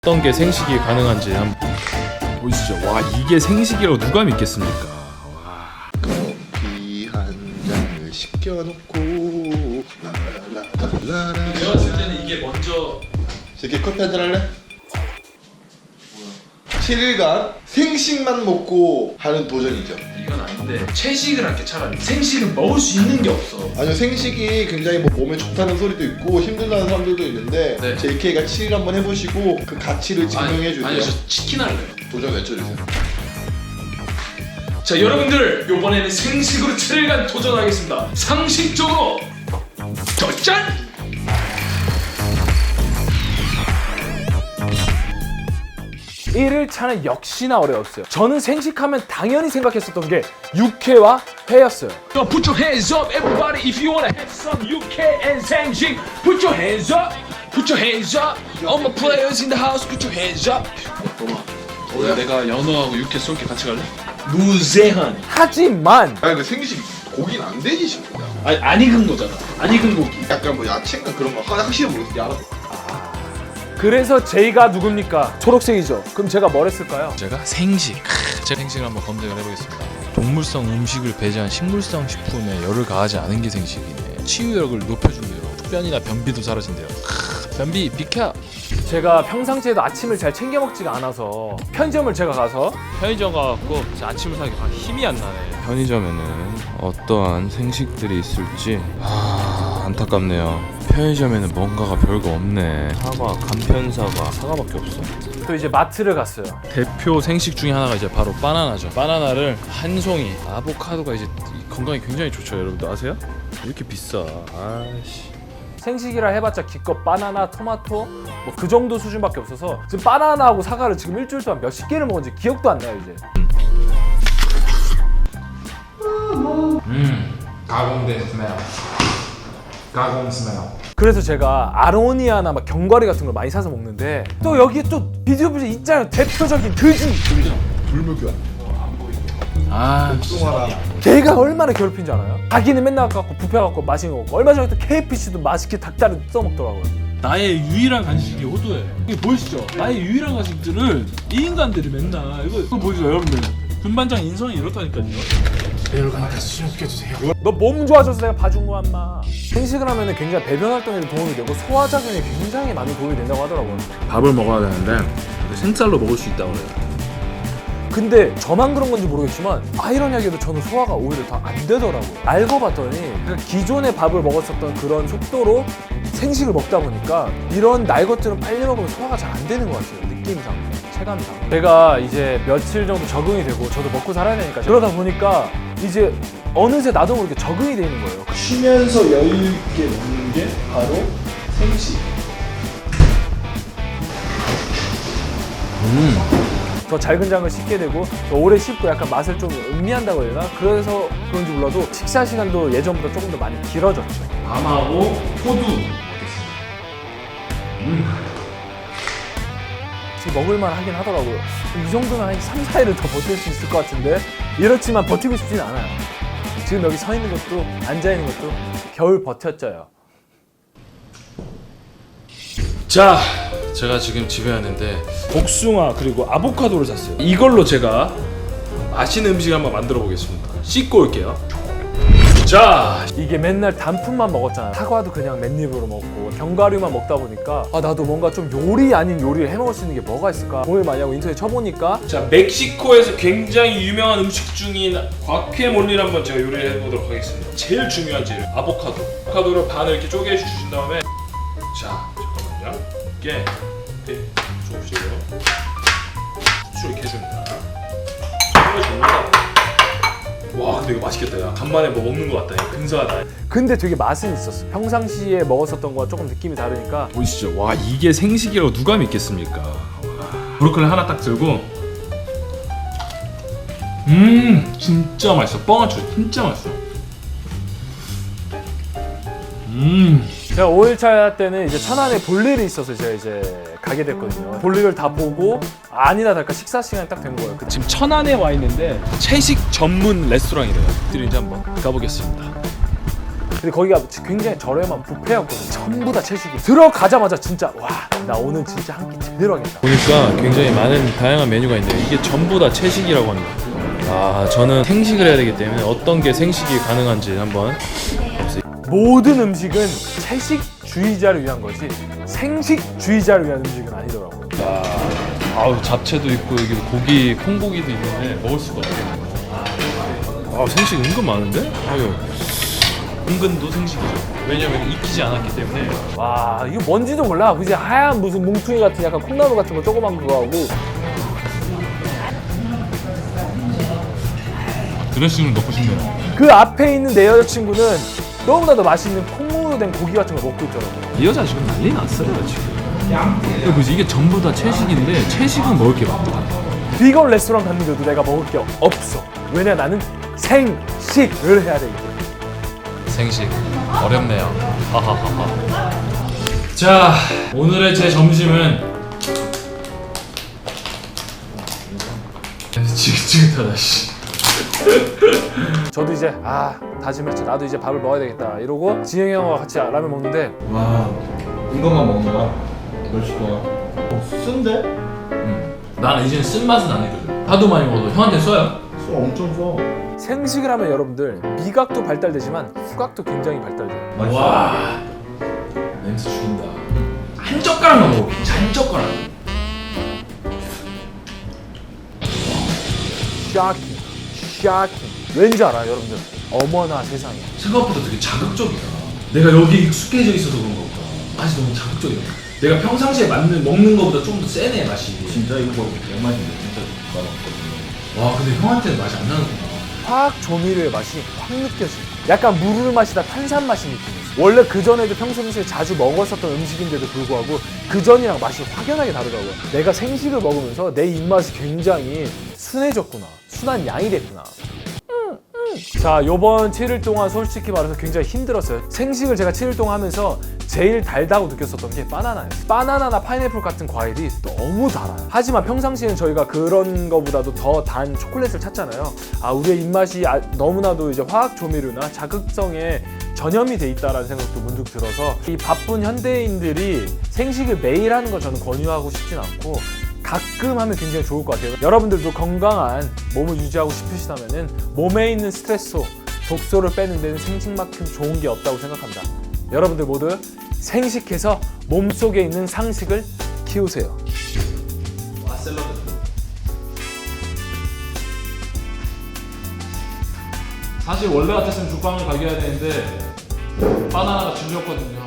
어떤 게 생식이 가능한지 한번 보시죠. 와, 이게 생식이라고 누가 믿겠습니까? 와. 커피 한 잔을 시켜놓고 라라라라라. 내가 봤을 때는 이게 먼저 이렇게 커피 한 잔 할래? 7일간 생식만 먹고 하는 도전이죠. 이건 아닌데 채식을 할게. 차라리 생식은 먹을 수 있는 게 없어. 아니요, 생식이 굉장히 뭐 몸에 좋다는 소리도 있고 힘들다는 사람들도 있는데 네. JK가 7일 한번 해보시고 그 가치를 증명해 주세요. 아니요, 저 치킨 할래요. 도전 외쳐주세요. 자, 여러분들 이번에는 생식으로 7일간 도전하겠습니다. 상식적으로 도전! 일일 차는 역시나 어려웠어요. 저는 생식하면 당연히 생각했었던 게 육회와 회였어요. So put your hands up, everybody, if you wanna have some 육회 and 생식. Put your hands up, put your hands up. All my players in the house, put your hands up. 오늘 내가 연어하고 육회 쏠게. 같이 갈래? 무제한. 하지만 아니 그 생식 고기는 안 되지 싶다. 안 익은 거잖아. 안 익은 고기. 약간 뭐 야채인가 그런 거 확실히 모르겠어. 알아. 그래서 J가 누굽니까? 초록색이죠. 그럼 제가 뭘 했을까요? 제가 생식. 제가 생식을 한번 검색을 해보겠습니다. 동물성 음식을 배제한 식물성 식품에 열을 가하지 않은 게 생식이네. 치유력을 높여준대요. 흡변이나 변비도 사라진대요. 변비 비켜. 제가 평상시에도 아침을 잘 챙겨 먹지가 않아서 편의점을 제가 가서 편의점 가갖고 아침을 사기 힘이 안 나네. 편의점에는 어떠한 생식들이 있을지 안타깝네요. 편의점에는 뭔가가 별거 없네. 사과, 간편사과, 사과밖에 없어. 또 이제 마트를 갔어요. 대표 생식 중에 하나가 이제 바로 바나나죠. 바나나를 한 송이. 아보카도가 이제 건강에 굉장히 좋죠. 여러분들 아세요? 왜 이렇게 비싸? 아이씨. 생식이라 해봤자 기껏 바나나, 토마토 뭐 그 정도 수준밖에 없어서 지금 바나나하고 사과를 지금 일주일 동안 몇십 개를 먹은지 기억도 안 나요 이제. 가공된 스멜. 가공 스멜. 그래서 제가 아로니아나 막 견과류 같은 걸 많이 사서 먹는데 또 여기에 또 비디오부에 있잖아요. 대표적인 돼지. 불무교환. 아, 걔가 얼마나 괴롭힌 줄 알아요? 자기는 맨날 갖고 뷔페 갖고 맛있는 거 먹고 얼마 전에 또 KFC도 맛있게 닭다리 써먹더라고요. 나의 유일한 간식이 호두예요. 이게 보이시죠? 나의 유일한 간식들을 이 인간들이 맨날 이거 보이죠 여러분들? 군반장 인성이 이렇다니까요. 너 몸 좋아져서 내가 봐준 거야 인마. 생식을 하면 굉장히 배변 활동에도 도움이 되고 소화작용에 굉장히 많이 도움이 된다고 하더라고요. 밥을 먹어야 되는데 생쌀로 먹을 수 있다고 그래요. 근데 저만 그런 건지 모르겠지만 아이러니하게도 저는 소화가 오히려 더 안 되더라고요. 알고 봤더니 그러니까 기존에 밥을 먹었었던 그런 속도로 생식을 먹다 보니까 이런 날 것들은 빨리 먹으면 소화가 잘 안 되는 것 같아요. 느낌상, 체감상. 제가 이제 며칠 정도 적응이 되고 저도 먹고 살아야 되니까 그러다 보니까 이제 어느새 나도 모르게 적응이 되는 거예요. 쉬면서 여유 있게 먹는 게 바로 생식. 더 잘근장을 씹게 되고 더 오래 씹고 약간 맛을 좀 음미한다고 해야 되나? 그래서 그런지 몰라도 식사 시간도 예전보다 조금 더 많이 길어졌죠. 밤하고 호두. 지금 먹을만 하긴 하더라고요. 이 정도면 한 3, 4일을 더 버틸 수 있을 것 같은데 이렇지만 버티고 싶진 않아요. 지금 여기 서 있는 것도 앉아 있는 것도 겨울 버텼져요. 자, 제가 지금 집에 왔는데 복숭아 그리고 아보카도를 샀어요. 이걸로 제가 맛있는 음식 한번 만들어 보겠습니다. 씻고 올게요. 자, 이게 맨날 단품만 먹었잖아. 사과도 그냥 맨입으로 먹고 견과류만 먹다 보니까 나도 뭔가 좀 요리 아닌 요리를 해먹을 수 있는 게 뭐가 있을까 고민을 많이 하고 인터넷 쳐보니까 자, 멕시코에서 굉장히 유명한 음식 중인 과케몰리를 한번 제가 요리를 해보도록 하겠습니다. 제일 중요한 재료, 아보카도. 아보카도를 반을 이렇게 쪼개 주신 다음에 자, 잠깐만요. 이렇게 조금씩요. 후추를 이렇게 해줍니다. 해줍니다. 와, 근데 이거 맛있겠다. 야, 간만에 뭐 먹는 것 같다. 야, 근사하다. 근데 되게 맛은 있었어. 평상시에 먹었었던 거와 조금 느낌이 다르니까 보이시죠? 와, 이게 생식이라고 누가 믿겠습니까? 와. 브로콜리 하나 딱 들고 진짜 맛있어. 뻥아쳐. 진짜 맛있어. 제가 5일차 때는 이제 천안에 볼일이 있어서 제가 이제 가게 됐거든요. 볼일을 다 보고 아니나 다를까 식사 시간이 딱 된 거예요. 지금 천안에 와 있는데 채식 전문 레스토랑이래요. 들이 이제 한번 가보겠습니다. 근데 거기가 굉장히 저렴한 뷔페였거든요. 전부 다 채식이. 들어가자마자 진짜 와, 나 오늘 진짜 한 끼 제대로 하겠다. 보니까 굉장히 많은 다양한 메뉴가 있는데 이게 전부 다 채식이라고 합니다. 아, 저는 생식을 해야 되기 때문에 어떤 게 생식이 가능한지 한번. 모든 음식은 채식주의자를 위한 거지 생식주의자를 위한 음식은 아니더라고요. 아우, 잡채도 있고 여기 고기, 콩고기도 있는데 먹을 수가 없겠네요. 아, 생식 은근 많은데? 아유, 은근도 생식이죠. 왜냐면 익히지 않았기 때문에. 와, 이거 뭔지도 몰라. 그지 하얀 무슨 뭉퉁이 같은 약간 콩나물 같은 거 조그만 그거 하고. 드레싱을 넣고 싶네요. 그 앞에 있는 내 여자친구는 너무나도 맛있는 콩으로 된 고기 같은 걸 먹고 있더라고요. 이 여자 지금 난리 났어요 지금. 이거 뭐지? 이게 전부 다 채식인데 채식은 먹을 게 많다. 비건 레스토랑 갔는데도 내가 먹을 게 없어. 왜냐, 나는 생식을 해야 되기 때문에. 생식 어렵네요. 하하하하. 자, 오늘의 제 점심은 지긋지긋하다 씨. 저도 이제 다짐했죠. 나도 이제 밥을 먹어야 되겠다 이러고 지영이 형과 같이 라면 먹는데 와, 이것만 먹는 거야? 멸치 동안. 쓴데? 나는 이제는 쓴맛은 아니거든. 하도 많이 먹어도 형한테 써요. 써, 엄청 써. 생식을 하면 여러분들 미각도 발달되지만 후각도 굉장히 발달돼요. 와, 냄새 죽인다. 한 젓가락만 먹어. 한 젓가락. 샤킹. 왠지 알아요, 여러분들? 어머나 세상에. 생각보다 되게 자극적이야. 내가 여기 익숙해져 있어서 그런 거보다 맛이 너무 자극적이야. 내가 평상시에 먹는 거보다 좀 더 세네 맛이. 진짜 이거 양맛인데 진짜 맛없거든요. 와, 근데 형한테는 맛이 안 나는구나. 화학 조미료의 맛이 확 느껴져. 약간 물을 마시다 탄산 맛이 느껴져요. 원래 그전에도 평소에 자주 먹었었던 음식인데도 불구하고 그전이랑 맛이 확연하게 다르더라고요. 내가 생식을 먹으면서 내 입맛이 굉장히 순해졌구나. 순한 양이 됐구나. 자, 요번 7일 동안 솔직히 말해서 굉장히 힘들었어요. 생식을 제가 7일 동안 하면서 제일 달다고 느꼈었던 게 바나나였어요. 바나나나 파인애플 같은 과일이 너무 달아요. 하지만 평상시에는 저희가 그런 거보다도 더 단 초콜릿을 찾잖아요. 우리의 입맛이 너무나도 이제 화학 조미료나 자극성에 전염이 돼 있다라는 생각도 문득 들어서 이 바쁜 현대인들이 생식을 매일 하는 건 저는 권유하고 싶진 않고 가끔 하면 굉장히 좋을 것 같아요. 여러분들도 건강한 몸을 유지하고 싶으시다면 몸에 있는 스트레스, 독소를 빼는 데는 생식만큼 좋은 게 없다고 생각합니다. 여러분들 모두 생식해서 몸속에 있는 상식을 키우세요. 와, 샐러드. 사실 원래 같았으면 죽방을 가게 해야 되는데 바나나가 질렸거든요.